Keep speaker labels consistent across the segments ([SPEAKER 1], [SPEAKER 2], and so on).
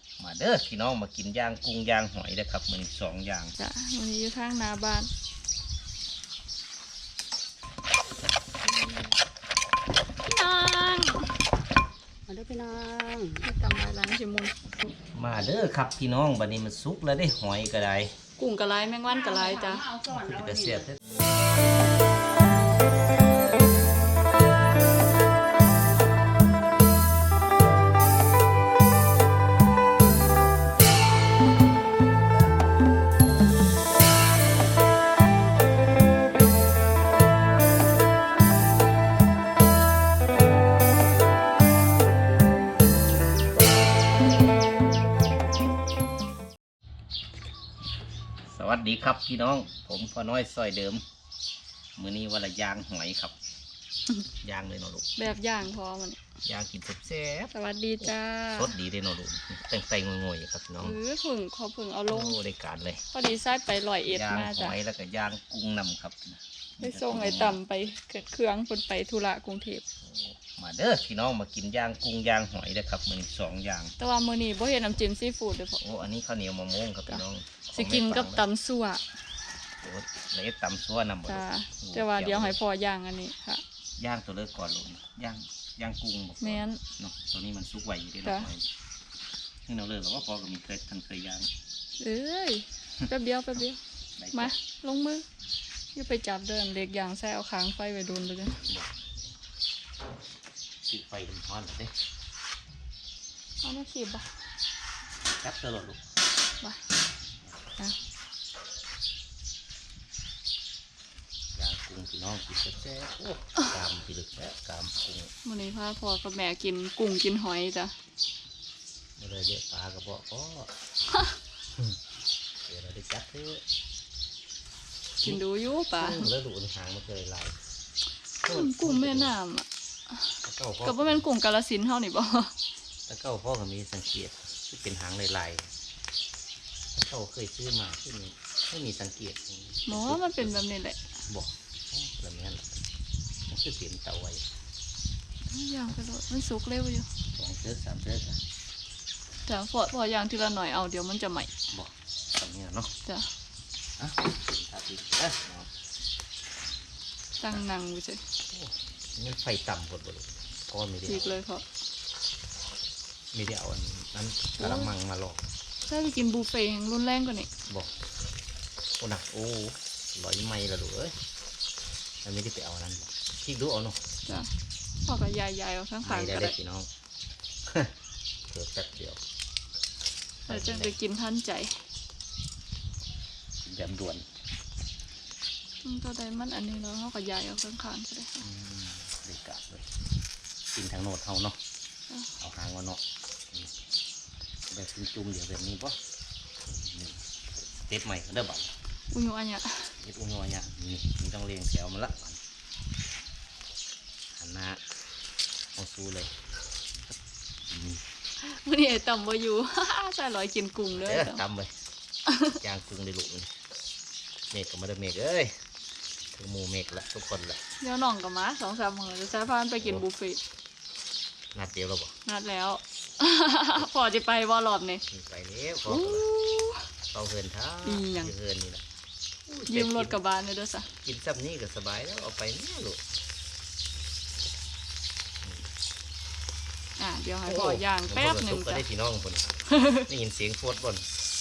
[SPEAKER 1] มาเด้อพี่น้องมากินย่างกุ้งย่างหอยได้ครับมันสองอย่าง
[SPEAKER 2] จ้ะวันนี้อยู่ทางหน้าบ้านพี่น้อง
[SPEAKER 3] มาด้วยพี่น้อง
[SPEAKER 2] กำไรล้างชิมุน
[SPEAKER 1] มาเด้อครับพี่น้องบัดนี้มันสุกแล้วได้หอยก็ได้
[SPEAKER 2] กุ้งกะไรแมงวันกะไรจ้ะ
[SPEAKER 1] จะเสียบสวัสดีครับพี่น้องผมพ่อน้อยซอยเดิมมื้อนี้วันละย่างหอยครับ ย่างเลยเนาะลูก
[SPEAKER 2] แบบย่างพอมัน
[SPEAKER 1] ย่างกินแซ่บ
[SPEAKER 2] สวัสดีจ้า
[SPEAKER 1] สดดีเลยเนาะลูกแต่งงวยๆครับพี่น้อง
[SPEAKER 2] ผึ่งขอผึ่งเอาลง
[SPEAKER 1] โอ้ได้การเลย
[SPEAKER 2] พอดีไส้ไป101มาจ้ะ
[SPEAKER 1] ย่างหอยแล้วก็ย่างกุ้งนำครับ
[SPEAKER 2] ไปส่งไอ้ต่ำไปเกิดเครื่องคนไปธุระกรุงเทพ
[SPEAKER 1] มาเด้อพี่น้องมากินย่างกุ้งย่างหอยได้ครับมันสองอย่าง
[SPEAKER 2] แต่ว่ามื้อนี้บ่เห็นน้ำจิ้มซีฟู้ดเลยพ่อ
[SPEAKER 1] โอ้อันนี้ข้าวเหนียวมะม่วงครับพี่น้อง
[SPEAKER 2] สิกินกับตำซั่ว
[SPEAKER 1] โอ้แล้วตำซั่วนำบ่
[SPEAKER 2] จ้าแต่ว่าเดี๋ยวให้พ่อย่างอันนี้ค่ะ
[SPEAKER 1] ย่างตัวเลิกก่อนลูกย่างกุ้งบอก
[SPEAKER 2] แม่น
[SPEAKER 1] เนาะตัวนี้มันสุกไวอยู่ด้วยนะนี่เราเลิกแล้วว่าพอก็มีเคยย่าง
[SPEAKER 2] เอ้ยแป๊บเดียวมาลงมืออย่าไปจับเดินเล็กอย่างแซ่เอาค้างไฟไว้โดนเลยนะ
[SPEAKER 1] ติดไฟมันร้อนเลย
[SPEAKER 2] เอามาขีบบ่
[SPEAKER 1] จับตลอดลูก
[SPEAKER 2] บ่
[SPEAKER 1] ย่างกุ้งพี่น้องกินแซ่บโอ้กามพี่ลึกแล้วกามกุ้ง
[SPEAKER 2] มื้อนี้พ่อกับแม่กินกุ้งกินหอยจ้ะ
[SPEAKER 1] ไม่เลยเยอะปลากระบอกก็เดี๋ยวเราได้จับเถอะ
[SPEAKER 2] กินดูอยู่ป่ะ
[SPEAKER 1] แล้วดูหางมันเคยลาย
[SPEAKER 2] กุ้งแม่น้ำอ่ะก็บ่แม่นกุ้งกาฬสินธุ์เฮานี่บ่
[SPEAKER 1] ตะเก้าพ่อก็มีสังเกตที่เป็นหางลายตะเก้าเคยซื้อมาที่นี่ไม่มีสังเกต
[SPEAKER 2] หมอมันเป็นแบบนี้แหละ
[SPEAKER 1] บอกแบบนี้แหละมันคือเปลี่ยนเตาไว้
[SPEAKER 2] ย่างไปเลยมันสุกเร็วอยู่
[SPEAKER 1] 2 เดือน 3 เดือน
[SPEAKER 2] จ้ะพอย่างทีละหน่อยเอาเดี๋ยวมันจะใหม่
[SPEAKER 1] บอกแบบนี้เนาะ
[SPEAKER 2] จ้ะตั้งนั่งไปเฉย
[SPEAKER 1] มันไฟต่ำหมดเลยเพราะไม่ได้
[SPEAKER 2] จีกเลยครับ
[SPEAKER 1] ไม่ได้เอาอันนั้นกระมังมาหลอก
[SPEAKER 2] ใช่ไปกินบุฟเฟ่ต์รุนแรงกว่านี้
[SPEAKER 1] บอกโอ้หนักโอ้100 ไมล์ละลูกเอ้ยมันไม่ได้ไปเอานั้นพี่ดูเอาเนาะ
[SPEAKER 2] จ้ะพ่อกับยายเอาทั้งขาง
[SPEAKER 1] ก็ได้พี่น้องเกิดแป๊บเดียว
[SPEAKER 2] เราจะไปกินท่านใจ
[SPEAKER 1] แบบด่วน
[SPEAKER 2] ตัวใดมันอันนี้เราเขากับยายเอาข้างๆก็ได้
[SPEAKER 1] เด็กกะเลยกินทางโนดเท่าเนาะเอาหางมาเนาะแบบจุ่มเดี๋ยวแบบนี้ป่ะเต็บใหม่เด้อบ่าว
[SPEAKER 2] อุ้ยอันเนี้ย
[SPEAKER 1] เต็บอุ้ยอันเนี้ยนี่ต้องเรียงแถวมาละหันหน้าเอาสู้เลย
[SPEAKER 2] วันนี้ไอ้ต่ำบ่อยู่ใส่ลอยกินกุ้งเลย
[SPEAKER 1] ต่ำไปย่างกุ้งได้ลูกเมฆก็มาได้เมฆเอ้ยถึงหมูเมฆละทุกคนละ
[SPEAKER 2] เดี๋ยวน้องกับม้า2-3 มื้อจะใช้พานไปกินบุฟเฟ่ต์
[SPEAKER 1] นัดเดียวแล้วบ่
[SPEAKER 2] นัดแล้วพอจะไปว่ารอบนี้
[SPEAKER 1] ไปแล้วพอเราเฮินท่าเฮินนี่แหละ
[SPEAKER 2] ยืมรถกลับบ้านเลยด้วยซะ
[SPEAKER 1] กินซับนี้ก็สบายแล้วเอาไปนี่ลูก
[SPEAKER 2] เดี๋ยวให้พ่อย่างแป๊บหนึ่ง
[SPEAKER 1] จ้ะได้พี่น้องคนได้ยินเสียงโคตรบ่น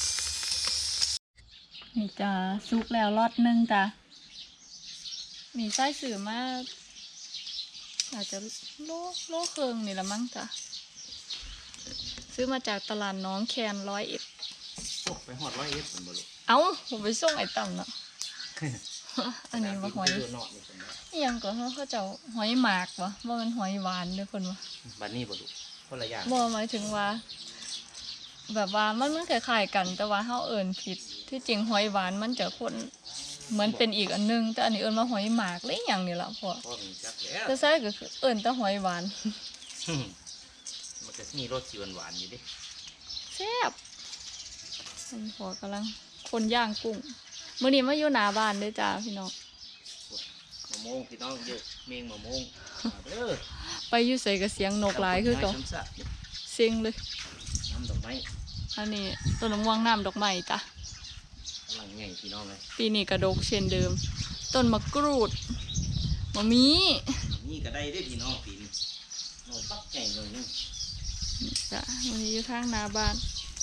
[SPEAKER 2] นี่จ้าซุกแล้วรอดนึงจ้ะมีไส้สื่อมาอาจจะโลเครื่องนี่ละมั้งจ้ะซื้อมาจากตลาดน้องแคน101
[SPEAKER 1] ไปหอด101เป็นบ่ลูก
[SPEAKER 2] เอ้าผมไปส่งไอ้ต่ำเนาะอันนี้มาหอยยังก็เขาจะหอยหมากวะว่ามันหอยหวานด้วยคนวะ
[SPEAKER 1] บ้านนี้บ่ลูกคนละอย่าง
[SPEAKER 2] บ่หมายถึงว่าแบบว่ามันคล้ายๆกันแต่ว่าเขาเอิ้นผิดที่จริงหอยหวานมันจะคนเหมือนเป็นอีกอันนึงแต่อันนี้เอิ้นว่าหอยหมากเลยอย่างนี้ละพ่อแต่ใช่ก็คือเอิ้นแต่หอยหวาน
[SPEAKER 1] มันจะมีรสหวานอยู่ดิ
[SPEAKER 2] แซ่บพ่อกำลังคนย่างกุ้งมื้อนี้มาอยู่หน้าบ้านเด้อจ้าพี่น้อง
[SPEAKER 1] มะม่วงพี่น้องเยอะเมงมะม่วง
[SPEAKER 2] ไปอยู่ใส่กับเสียงนกหลายคือเก่าเสียงเลย
[SPEAKER 1] น้ำดอกไม้
[SPEAKER 2] อันนี้ต้นมะม่วงน้ำดอกไม้จ้ะ
[SPEAKER 1] กำลังใหญ่พี่น้องเลย
[SPEAKER 2] ปีนี้กระดกเช่นเดิม ต้นมะกรูดมะมี
[SPEAKER 1] นี่ก็ได้ได้พี่น้องปีนี้โน่นปักใหญ่เลยนี่
[SPEAKER 2] จ้ะวันนี้อยู่ทางหน้าบ้าน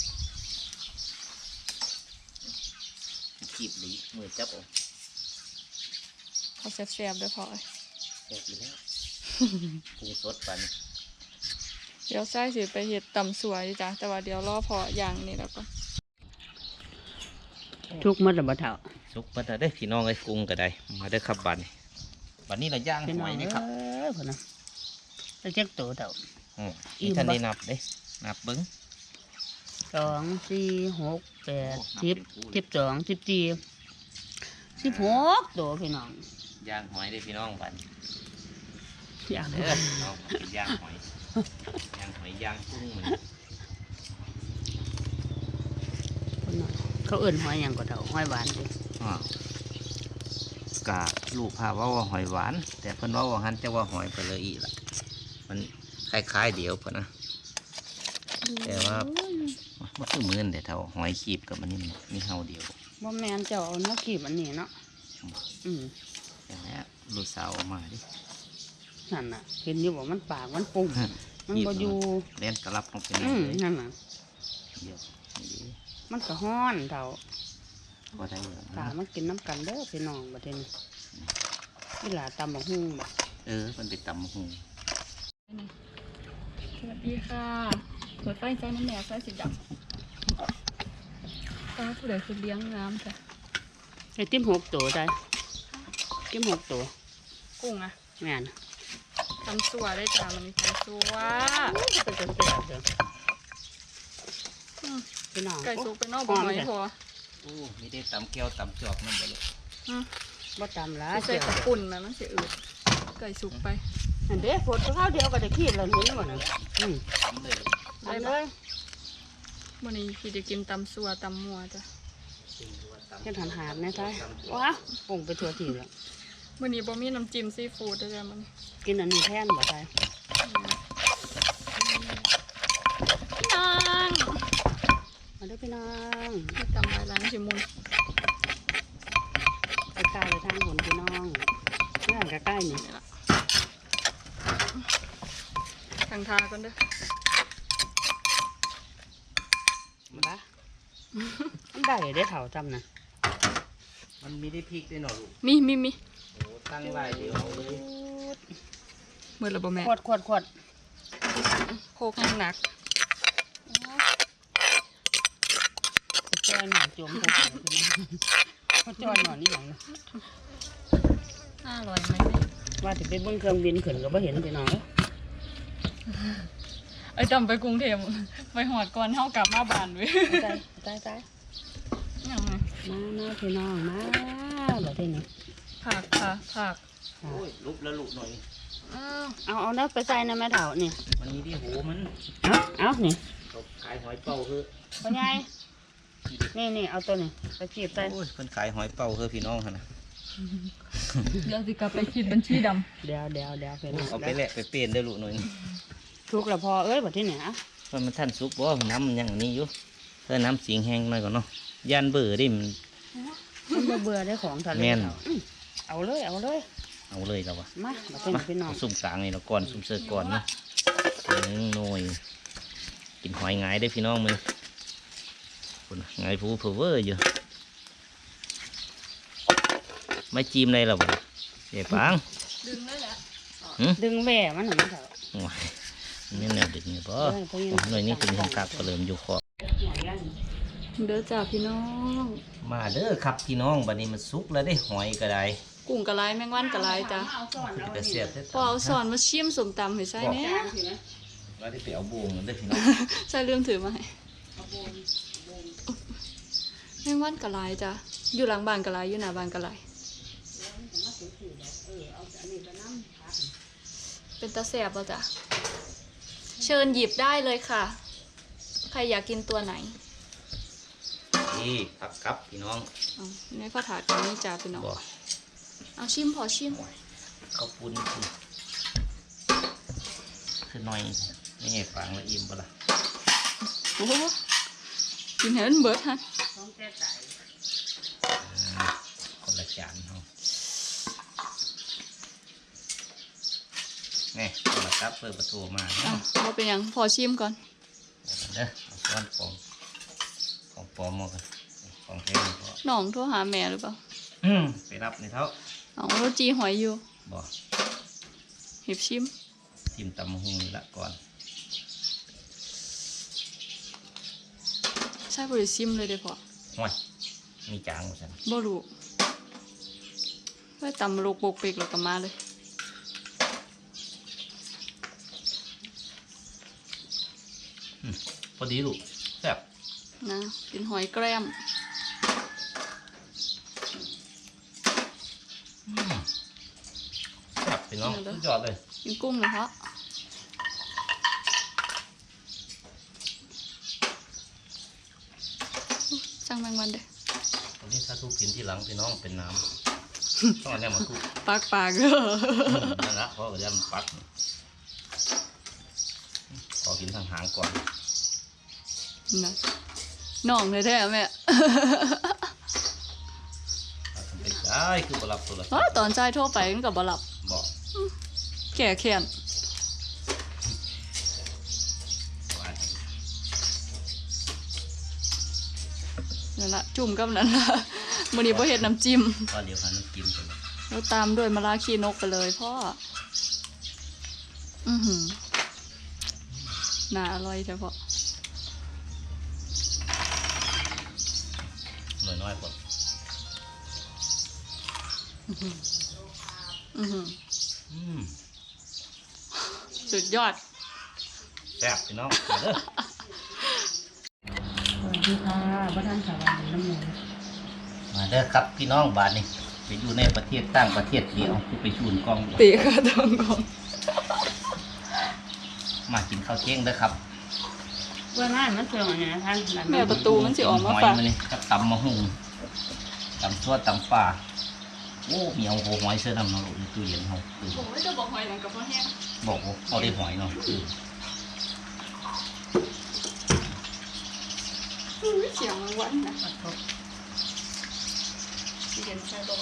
[SPEAKER 1] ขีบหลีมือจับเอา
[SPEAKER 2] เขาแซ่บๆด้วยพอ
[SPEAKER 1] แซ่บอยู่แล้วปรุงสดปัน
[SPEAKER 2] เดี๋ยวไส้สิไปเห็ดตำสวยจ้ะแต่ว่าเดี๋ยวรอพออย่างนี้แล้วก็
[SPEAKER 3] ทุกมื้อละบ่เฒ่า
[SPEAKER 1] สุกมาได้อพี่น้องไอ้ยกุ้งก็ได้มาได้อครับบัดนี้บัดนี้เราย่าง
[SPEAKER 3] พี่
[SPEAKER 1] ห
[SPEAKER 3] น้อ
[SPEAKER 1] อง ยนี่ครับ
[SPEAKER 3] พุ่นน่ะจะเจ็กโตเฒ่า
[SPEAKER 1] นี่ท่านได้นับเด้นับเบิ้ง
[SPEAKER 3] 2 4 6 8 10 12 14 16โตพี่น้อง
[SPEAKER 1] ย่างหอยได้อพี่น้องบัดนี้
[SPEAKER 3] อย่าง
[SPEAKER 1] เด้อน้องเป็นย่างหอยย่างหอยย่างกุ้งมัน
[SPEAKER 3] พุ่นน่ะเขาเอิ้นหอยหยังก็เฒ่าหอยหวานเด้
[SPEAKER 1] อ้าวกะลูกพาว่าหอยหวาน แต่เพิ่นว่าหันจะว่าหอยไปเลยอีกล่ะมันคล้ายๆเดียวเพิ่นนะ แต่ว่า มันคือเหมือนแต่เท่าหอยขีบกับมันนี่มันมีเฮาเดียว
[SPEAKER 3] บ่แม่นเจ้าเอาเนื้อขีบอันนี้เนาะอืม
[SPEAKER 1] อย่างนี้ลูกสาวเอามาดิ
[SPEAKER 3] นั่นน่ะเห็นอยู่ว่ามันปากมันปุ่มมันบ่อยู่
[SPEAKER 1] เล่นกระลับลงไป
[SPEAKER 3] อื
[SPEAKER 1] นี่
[SPEAKER 3] ม
[SPEAKER 1] เลย
[SPEAKER 3] นั่นน่ะ
[SPEAKER 1] เดียวนี่ดิ
[SPEAKER 3] มันก็ฮ้อนเฒ่า
[SPEAKER 1] ก็ได้เลย
[SPEAKER 3] ตามันกินน้ำกันเด้อพี่น้องบัดนี้อีหลาตำบักหุ่งบ่
[SPEAKER 1] มันไปตำหู
[SPEAKER 2] สวัสดีค่ะเปิดไฟใส่น้ำแหนใส่สีดำตาผู้ใดคือเลี้ยงน้ำจ้ะ
[SPEAKER 3] ไอ้ติ้ม6ตัวได้ติ้ม6ตัว
[SPEAKER 2] กุ้งอะ
[SPEAKER 3] แม่น
[SPEAKER 2] ตำสัวได้จ้ะมันมีตำสัว
[SPEAKER 3] เป็นจังซี่เด้อ
[SPEAKER 2] อืม
[SPEAKER 3] พี่น้อง
[SPEAKER 2] ไก่สุกไปนอกบ่หอยพอ
[SPEAKER 1] โอ้มีได้ตำแก้วตำจอกนั่นบ่ลูก
[SPEAKER 2] อืม
[SPEAKER 3] บ่ตำละ
[SPEAKER 2] ใส่
[SPEAKER 3] เจียว
[SPEAKER 2] กระปุ่นนะมันเสียอืดไก่สุกไป
[SPEAKER 3] อันเด้ฝนข้าวเดียวก็ได้ขีดแล้วเห็นบ่น่ะอืม
[SPEAKER 1] ตำเลย
[SPEAKER 3] ได้เลย
[SPEAKER 2] วันนี้พี่จะกินตำสัวตำมัวจ้ะ
[SPEAKER 3] เฮ็ดหันหาดแน่ท้ายว้าปุ่งไปทั่วที่แล้ว
[SPEAKER 2] วันนี้บ่มีน้ำจิ้มซีฟู้ดด้วยจ้ะมัน
[SPEAKER 3] กินอันนี้แทนบ่ได้
[SPEAKER 2] นาง
[SPEAKER 3] มาเด้อพี่น้อง
[SPEAKER 2] ไม่ตำลายล้างชิมุน
[SPEAKER 3] ไปใกล้ไปทางหนพี่น้องเมื่อใกล้ๆนี่
[SPEAKER 2] นี่ละทางทากันเด้อ
[SPEAKER 3] บ้ามันได้ได้เถ่าจำนะ
[SPEAKER 1] มันมีได้พริกด้วยเนาะลูก
[SPEAKER 2] มี
[SPEAKER 1] โอ้ตั้งไว้เดี๋ยวเอาเลย
[SPEAKER 2] เมื่อระบแม่
[SPEAKER 3] ขวด
[SPEAKER 2] โคกยังหนัก
[SPEAKER 3] จอยหน่อยจมผมเขาจอยหน่อยนี่หยัง
[SPEAKER 2] อร่อยไหม
[SPEAKER 3] ว่าถึงไปเบิ้งเครื่องบินขึ้นก็บ่เห็นพี่น้อง
[SPEAKER 2] ไอ้จำไปกรุงเทพไปหอดก่อนเท่ากลับมาบ้านเว้ย
[SPEAKER 3] ตาย
[SPEAKER 2] ยังไง
[SPEAKER 3] มาพี่น้องมาแบบนี้
[SPEAKER 2] ผักค่ะผัก
[SPEAKER 1] โอ้ยลุกแล้วลูกหน่อย
[SPEAKER 2] อ้าว
[SPEAKER 3] เอาเนื้อไปใส่นะแม่เถ่านี่
[SPEAKER 1] มันมีที่หูมัน
[SPEAKER 3] เอานี่
[SPEAKER 1] เขาขายหอยเป่าเฮ้อ
[SPEAKER 3] พ่อใหญ่นี่เอาตัวนี้ไปจีบใส่
[SPEAKER 1] โอ้ยเพิ่นขายหอยเป่าเฮ้อพี่น้องหั่นน่ะ
[SPEAKER 2] เดี๋ยวสิกลับไปคิดบัญชีด
[SPEAKER 3] เดี๋ยวพี่น้อง
[SPEAKER 1] เอาไปแลกไปเปลี่ยนได้อลูกหน่อยนี่
[SPEAKER 3] ทุกแล้วพอเอ้ยแบบที่ไหนอ่ะ
[SPEAKER 1] เพราะมันท่านสุกบ่น้ำมันยังอันนี้อยู่เออน้ำเสียงแห้งหน่อยก่อนเนาะยันเบื่อดิมัน
[SPEAKER 3] มันเบื่อได้ของทะเล
[SPEAKER 1] แม่น
[SPEAKER 3] เอาเลย
[SPEAKER 1] เอาเลยแล้ววะ
[SPEAKER 3] มาแบบที่ไหนพี่น้อง
[SPEAKER 1] เอาซุ่มกลางนี่เนาะก่อนซุ่มเสือก่อนเนาะหน่อยกินหอยหงายได้อพี่น้องมึงคุณหงายฟูเวอร์อยู่ไม่จิ้มเลยหรอวะเจ๊ปัง
[SPEAKER 2] ำดึงเลยแหละ
[SPEAKER 3] ดึงแหว่มันหน่อยเถอะ
[SPEAKER 1] โอ้ยนี่แนวดึกนี่ป่หน่อยนี่คือเห็นกากก็เริ่มอยู่คอ
[SPEAKER 2] เด้อจ้าพี่น้อง
[SPEAKER 1] มาเด้อครับพี่น้องบัดนี้มันสุกแล้วได้หอยก็ได้
[SPEAKER 2] กุ้งกะไรแมงวันกะไรจ้ะ
[SPEAKER 1] แต่เสียบได้
[SPEAKER 2] พอเอาสอนมาชิมสมตำให้ใช่เนี่ย
[SPEAKER 1] ว่าได้ไปเอาบูงเด้อพี่น้อง
[SPEAKER 2] ใช่เรื่องถือมาให้แมงวันกะไรจ้ะอยู่หลังบ้านกะไรอยู่หน้าบ้านกะไรเป็นตาแสบแล้วจ้ะเชิญหยิบได้เลยค่ะ ใครอยากกินตัวไหน
[SPEAKER 1] นี่ผักกับพี่น้อง
[SPEAKER 2] เอาในผ้าถาดกันนี่จ้าพี่น้อง
[SPEAKER 1] บ่
[SPEAKER 2] เอาชิมพอชิม
[SPEAKER 1] ข้าวปุ้นคือหน่อยนี่ไงฟังแล้วอิ่มปะล่ะ
[SPEAKER 2] โอ้โหกินให้มันเบิดฮะ
[SPEAKER 3] ต้องแก้ใจ
[SPEAKER 1] คนละจานเขานี่คนละครับเปิดประตูมา
[SPEAKER 2] อ่ะบ่เป็นหยังพอชิมก่อน
[SPEAKER 1] เด้อเอาช้อนของปลอมมากันของแท้นี่ก็
[SPEAKER 2] น้องโทรหาแม่หรือเปล่า
[SPEAKER 1] ไปรับในเท้า
[SPEAKER 2] เอาโรจีหอยอยู่
[SPEAKER 1] บ่
[SPEAKER 2] เห็บชิม
[SPEAKER 1] ทิมตำหุงนี่ละก่อน
[SPEAKER 2] ใช่บ่ได้ชิมเลยเด้อพ่อ
[SPEAKER 1] ห้วยมีจางหมดสัน
[SPEAKER 2] บ่รู้ไว้ตำโลกโปกเปกแล้วก็มาเลย
[SPEAKER 1] พอดีลูกแซ่บ
[SPEAKER 2] นะกินหอยแกล้ม
[SPEAKER 1] แซ่บพี่น้องสุดยอดเลย
[SPEAKER 2] กินกุ้งนะเพาะจังแมงวันเด้อ
[SPEAKER 1] วันนี้ถ้าทุกกินที่หลังพี่น้องเป็นน้ำต้องเอาเนี่ยมาทุก
[SPEAKER 2] ปากเด้อ
[SPEAKER 1] นั่นละเพราะว่าจะมันปักขอกินทางหางก่อน
[SPEAKER 2] นะน้องเลยแท้แม่
[SPEAKER 1] ทำไปได้คือบรับตัวละ
[SPEAKER 2] อ๋อตอนใจโทรไปมันก็บ่หลับ
[SPEAKER 1] บอก
[SPEAKER 2] แก่แค้น
[SPEAKER 1] ว่า
[SPEAKER 2] นั่นละจุ่มกับนั่นละมื้อนี้บ่เฮ็ดน้ำจิ้ม
[SPEAKER 1] ว่าเดี๋ยวพันน้ำจิ้มไปเลย
[SPEAKER 2] แล้วตามด้วยมะระขี้นกไปเลยพ่อน่าอร่อยแท้พ่อ
[SPEAKER 1] หน่อยน้อยๆก่อน
[SPEAKER 2] สุดยอด
[SPEAKER 1] แซ่บพี่น้องมาเด้อ
[SPEAKER 3] สวัสดีค่ะบ้านสาวานน้ำหมู
[SPEAKER 1] มาเด้อครับพี่น้องบาทนี่ไปอยู่ในประเทศต่างประเทศเดียวไปชูนกล้อง
[SPEAKER 2] ตีค่ะทองกอง
[SPEAKER 1] มากินข้าวเที่ยงเด้อครับ
[SPEAKER 3] เมื่อง่ายมันเสื่อมอย่างนี้ท่าน
[SPEAKER 2] แม่ประตูมันสิออกมา
[SPEAKER 1] หอย
[SPEAKER 2] ฝาก
[SPEAKER 1] มานี่กับตำมะฮุงตำซั่วตำป่าโอ้มีเอาโหหอยเสื้อดำเนาะลูกในตู้เย็นเขาคือ
[SPEAKER 2] โอ้ยจะบอกหอยหนังกับพ่อแห้ง
[SPEAKER 1] บอกว่าเอาได้หอยเนาะคือ
[SPEAKER 2] เสียงมันหวานนะที่เห็นใช่บ่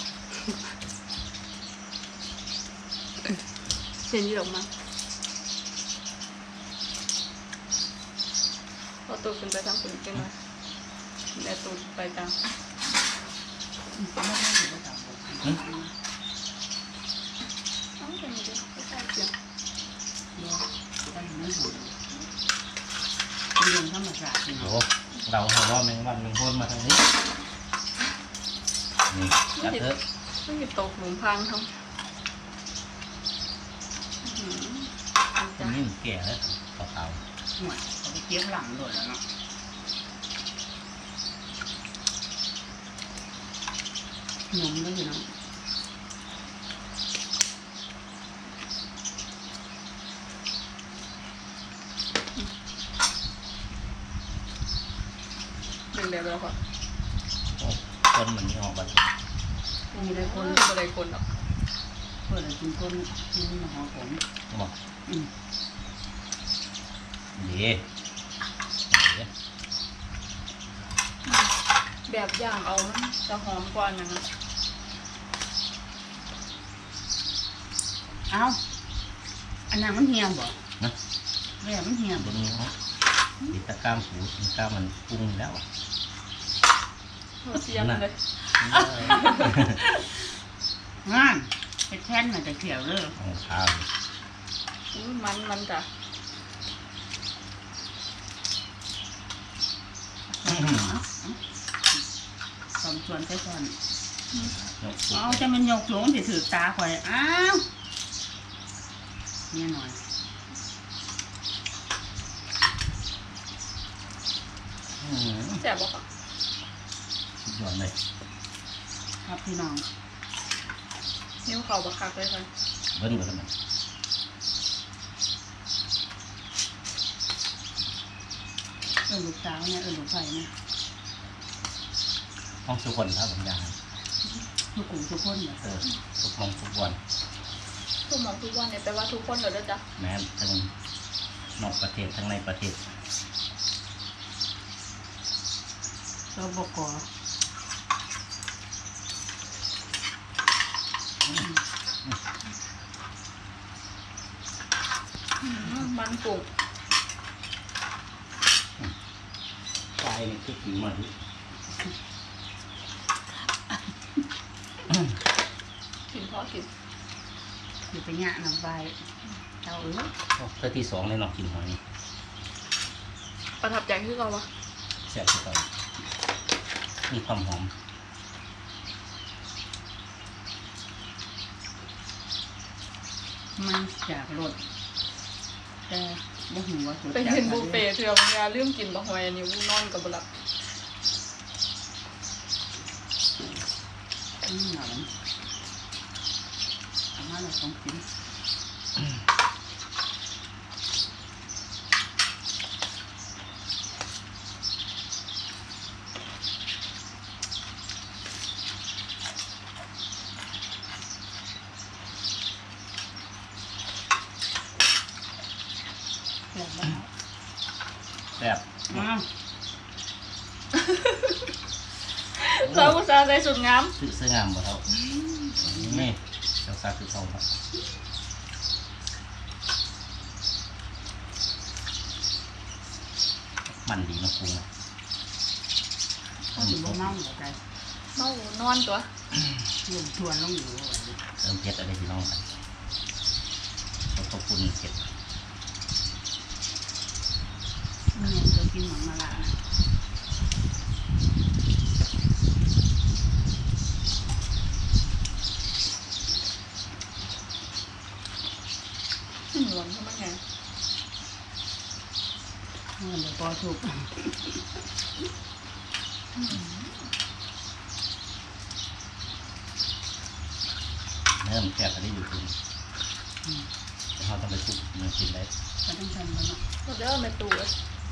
[SPEAKER 2] เห็นยี่หรอกมั้งพอตัวขึ้นไปทางฝนกันเลยแม่ตูดไปทางเอาไปนี่เดี๋ยวไปใส่เสียง
[SPEAKER 3] เรื่องธรรมศาสตร์
[SPEAKER 1] โอ้เราเห็นว่าแมงวันแมงโคนมาทางนี้นี่จัดเถอะ
[SPEAKER 2] ไม่มีตกหลุมพังทั้ง
[SPEAKER 1] ตรงนี้มันแก่แล้วขาว
[SPEAKER 3] หวยเขาไปเก็บหลังโดดแล้วเนาะหนุ่มด้วยเนาะ
[SPEAKER 2] เป็นแบบแล้วค่ะ
[SPEAKER 1] ๆโอ้คนมันนี่ออกบัด
[SPEAKER 3] มีได้คน
[SPEAKER 2] ไม่ได้คนหรอก
[SPEAKER 3] เปิดกินคนกินหอผม
[SPEAKER 1] บอก
[SPEAKER 3] อืม
[SPEAKER 1] เดี๋ยว
[SPEAKER 2] แบบย่างเอามันจะหอมกว่านั้น
[SPEAKER 3] เอ้าอันนั้นมันเหี่ยวบ่
[SPEAKER 1] นะ
[SPEAKER 3] แม่มันเหี่ยว
[SPEAKER 1] บนนี้เขาติดตะกร้ามหูตะกร้ามมันปรุงแล้ว
[SPEAKER 2] เสียงเลย
[SPEAKER 3] งานไปแท่นมันจะเขียวเลย
[SPEAKER 1] ของข้าว
[SPEAKER 2] มันจ้ะ
[SPEAKER 3] สมส่วนใช้ส่วน
[SPEAKER 1] ยกสุด
[SPEAKER 3] เอาจะมันยกสูงสิถือตาข่อยอ้าวเนี่ยหน่อย
[SPEAKER 2] แซ่บบ่ค่ะ
[SPEAKER 1] สุดยอดเลย
[SPEAKER 3] ครับพี่น้อง
[SPEAKER 2] นิ้วเข่าบักคักเลยค่ะ
[SPEAKER 1] เบิ้ลกันมัน
[SPEAKER 3] ลูกสาวเนี่ยลูกไผ่เนี่ย
[SPEAKER 1] ห้องทุกคนครับผมอยากให้
[SPEAKER 3] ทุกกลุ่มทุกคนเนี่ย
[SPEAKER 1] ทุกห้องทุกวัน
[SPEAKER 2] ทุกหมองทุกวันเนี่ยแปลว่าทุกคนเหรอเด้อจ้ะ
[SPEAKER 1] แม้ทั้งนอกประเทศทั้งในประเทศ
[SPEAKER 3] เราบกอ
[SPEAKER 2] มันกุ้ง
[SPEAKER 1] ปลายนี่คือผิวมัน
[SPEAKER 2] กินพอกิน
[SPEAKER 3] อยู่ไปงะน้ำใบเจ้า
[SPEAKER 1] เพื่อที่สองเลยเนาะกินหอยนี่
[SPEAKER 2] ประทับใจคือเราวะ
[SPEAKER 1] แซ่บที่สุดมีความหอม
[SPEAKER 3] มันจากรสแต่บ่หูว่าสด
[SPEAKER 2] ไปเห็นบุฟเฟ่ต์เถื่อนยาลืมกินบะหอยอันนี้นอนกับบหลับ
[SPEAKER 3] หนอนทำมาเราต้องกินแบบว่า
[SPEAKER 1] แซ่บ
[SPEAKER 3] อ้าว
[SPEAKER 2] เราอุตส่าห์ใส่สุดงาม
[SPEAKER 1] ซื้องามบ่เท่านี่เจ้าซาคือเท่าครับมันดีเนาะปรุงนะ
[SPEAKER 3] เขาถึงบ่เมาเหรอใจ
[SPEAKER 2] เมานอนตัว
[SPEAKER 3] ลงทวนลงอยู่
[SPEAKER 1] เติมเผ็ดอะไรพี่น้องกันเขาก็ปุ่นเผ็ด
[SPEAKER 3] เนี่ยจะกินหมังมาละนะ
[SPEAKER 2] หวานทำไมไง
[SPEAKER 3] เมื่อเดี๋ยวพอถูก
[SPEAKER 1] เริ่มแซ่บอะไรอยู่ตรงเขาต้องไปซุปเนื้อกินได้
[SPEAKER 3] ก็ต้องทำแล้วเนาะ
[SPEAKER 2] เราเดี๋ยวเอาไปตู้เลย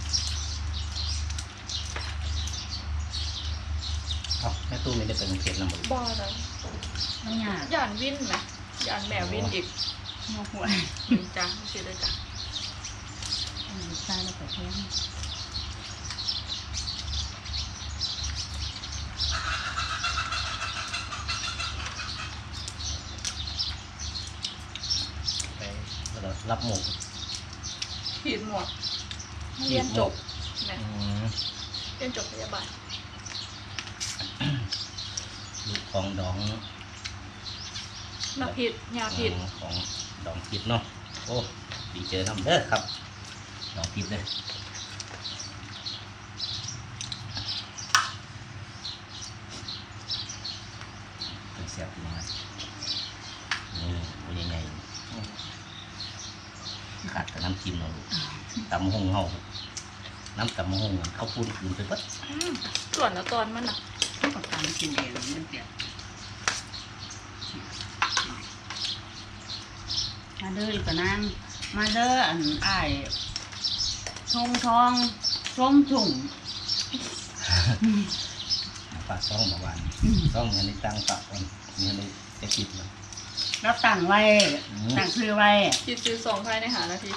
[SPEAKER 1] เอ้าแม่ตู้ไม่ได้เป็นเผ็ดนะหมด
[SPEAKER 2] บ้าแล้ว
[SPEAKER 3] ไม่ยาก
[SPEAKER 2] ย่านวินไหมย่านแมววินอีก
[SPEAKER 3] งอหัว
[SPEAKER 2] จ้าไม่ใช่เลยจ้ะ
[SPEAKER 3] ใส่แล้วก็แทง
[SPEAKER 1] ไปแล้วรับหมู
[SPEAKER 2] ขีดหมวก
[SPEAKER 1] ขี
[SPEAKER 2] เรีย
[SPEAKER 1] ด
[SPEAKER 2] น
[SPEAKER 1] หม
[SPEAKER 2] จ
[SPEAKER 1] ก
[SPEAKER 2] บแม่เรียนจบพยาบาล
[SPEAKER 1] ลูกของดอง
[SPEAKER 2] มาผิดยาผิด
[SPEAKER 1] ของดองผิดเนาะโอ้ดีเจอน้ำเด้อครับดองผิดเลยเป็นเสียบอยู่นะนี่มันยังไงขาดกับน้ำจิ้มเนาะลูกตำหงเฮาน้ำตำหงเขาพูดคืนไปปั๊บ
[SPEAKER 2] ส่วนแล้วตอนมันอ่ะ
[SPEAKER 3] ก็ตามกินเองมันเปียกมาเด้ออีกก็นั่งมาเด้ออันอ้ายทงทองชมถุง
[SPEAKER 1] ฝากซ่องเมื่อวานซ่องเงินในตังฝากคนเงินในจะคิดเลย
[SPEAKER 3] รับตั้งไว้ตั้งชื่อไว้
[SPEAKER 2] คิดซื้อสองภายใน5 นาที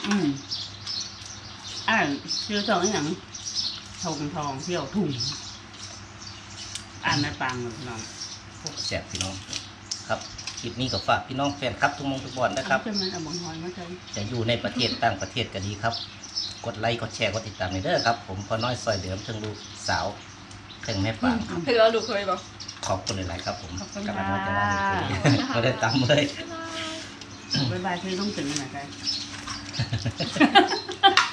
[SPEAKER 3] ชื่อสองอย่างทงทองเที่ยวถุงอ่านไม่ปังเลยน้อง
[SPEAKER 1] แสบพี่น้องครับคลิปนี้ก็ฝากพี่น้องแฟนครับทุกมงทุกบอลนะครับ
[SPEAKER 3] จะมันเอาบังหอยมาใช้
[SPEAKER 1] จะอยู่ในประเทศต่างประเทศก็ดีครับ กดไลค์กดแชร์กดติดตามในเด้อครับ ผมพอน้อยซอยเดิมทั้งลูกสาวทั้งแม่ปาง
[SPEAKER 2] เพื่อลูกเคยบอก
[SPEAKER 1] ขอบคุณหลายๆครับผม
[SPEAKER 3] ขอบคุณ
[SPEAKER 1] กำลั
[SPEAKER 3] ค่ะ
[SPEAKER 1] งว่าจะว่าเลยไม่ได้ตามเลย
[SPEAKER 3] บ๊ายบายคือต้องตื่นขนาดไหน